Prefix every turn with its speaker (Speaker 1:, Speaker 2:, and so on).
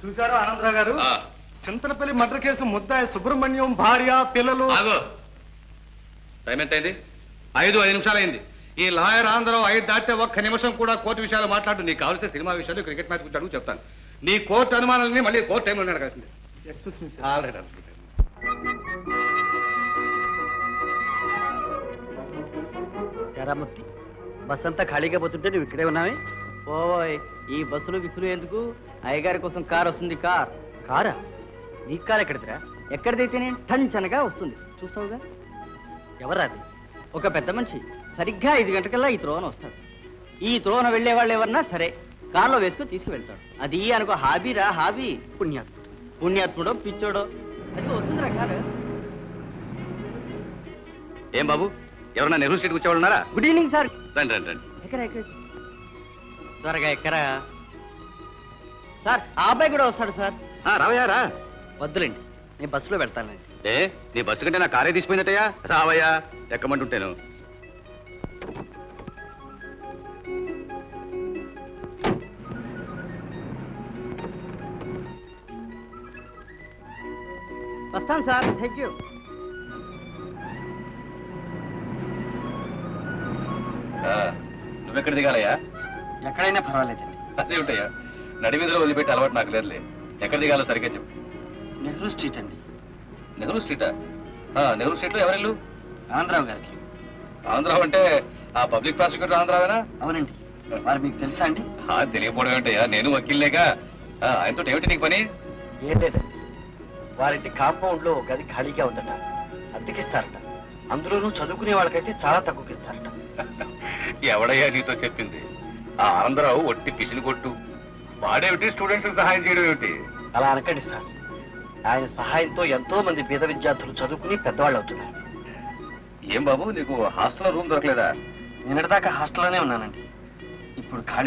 Speaker 1: చూసారా ఆనందరావు గారు, Chintalapalli murder case ముద్దాయి సుబ్రహ్మణ్యం భార్య పిల్లలు.
Speaker 2: టైం ఎంత అయింది? 5 నిమిషాలు అయింది. ఈ లాయర్ ఆంధ్రరావు 5 దాటితే ఒక్క నిమిషం కూడా కోర్టు విషయాలు మాట్లాడు. నీకు కావాల్సిన సినిమా విషయాలు, క్రికెట్ మ్యాచ్ గురించి అడుగు చెప్తాను. నీ కోర్టు అనుమానాలని మళ్ళీ కోర్టు టైంలో అడగాల్సింది.
Speaker 3: మూర్తి, బస్ అంతా ఖాళీగా పోతుంటే నువ్వు ఇక్కడే ఉన్నావే? ఓయ్, ఈ బస్సులు విసులు ఎందుకు? అయ్యగారి కోసం కార్ వస్తుంది. కారా? నీ కారు ఎక్కడిదిరా? ఎక్కడిదైతేనే టంచనగా వస్తుంది, చూస్తావుగా. ఎవరాది? ఒక పెద్ద మనిషి సరిగ్గా 5 గంటకల్లా ఈ త్రోవన వస్తాడు. ఈ త్రోవన వెళ్లే వాళ్ళు ఎవరన్నా సరే కారులో వేసుకుని తీసుకువెళ్తాడు. అది అనుకో హాబీరా, హాబీ. పుణ్యాత్ముడో పిచ్చోడో అది వస్తుందిరా కారు.
Speaker 2: ఏం బాబు, ఎవరన్నా నెహ్రూ స్ట్రీట్ వచ్చేవాళ్ళు ఉన్నారా?
Speaker 3: Good evening sir.
Speaker 2: రండి రండి రండి.
Speaker 3: ఎక్కరా త్వరగా ఎక్కరా సార్. ఆ అబ్బాయి కూడా వస్తాడు సార్.
Speaker 2: రావయ్యా రా.
Speaker 3: వద్దులేండి, నేను బస్సులో వెళ్తానండి.
Speaker 2: నీ బస్సు కంటే నా కారే తీసిపోయినట్టయ్యా. రావయ్యా, ఎక్కమంటుంటేను.
Speaker 3: వస్తాను సార్. Thank you.
Speaker 2: నువ్వెక్కడ దిగాలయ్యా?
Speaker 3: ఎక్కడైనా పర్వాలేదండి.
Speaker 2: అదే ఉంటాయా, నడివీధిలో వదిలిపెట్టి అలవాటు నాకు లేదులే. ఎక్కడ దిగాలో సరిగ్గా చెప్పు.
Speaker 3: నెహ్రూ స్ట్రీట్ అండి.
Speaker 2: నెహ్రూ స్ట్రీటా? నెహ్రూ స్ట్రీట్ లో ఎవరిల్లు?
Speaker 3: ఆంధ్రావు గారికి.
Speaker 2: ఆంధ్రావు అంటే ఆ పబ్లిక్ ప్రాసిక్యూటర్ ఆంధ్రావేనా?
Speaker 3: అవునండి. వారు మీకు తెలుసా అండి?
Speaker 2: తెలియకపోవడం ఏంటయ్యా, నేను వకీల్లేగా. ఆయనతో ఏమిటి నీకు పని?
Speaker 3: ఏం లేదండి, వారింటి కాంపౌండ్ లో గది ఖాళీగా ఉందట, అద్దెకిస్తారట. అందులోనూ చదువుకునే వాళ్ళకైతే చాలా తక్కువకిస్తారట.
Speaker 2: ఎవడయ్యా నీతో చెప్పింది? ఆ ఆంధ్రావు ఒట్టి పిసిని కొట్టు. వాడేమిటి స్టూడెంట్స్ సహాయం చేయడం ఏమిటి?
Speaker 3: అలా అనకండి సార్. ఆయన సహాయంతో ఎంతో మంది పేద విద్యార్థులు చదువుకుని పెద్దవాళ్ళు అవుతున్నారు.
Speaker 2: ఏం బాబు, నీకు హాస్టల్లో రూమ్ దొరకలేదా?
Speaker 3: నిన్నటిదాకా హాస్టల్లోనే ఉన్నానండి. ఇప్పుడు ఖాళీ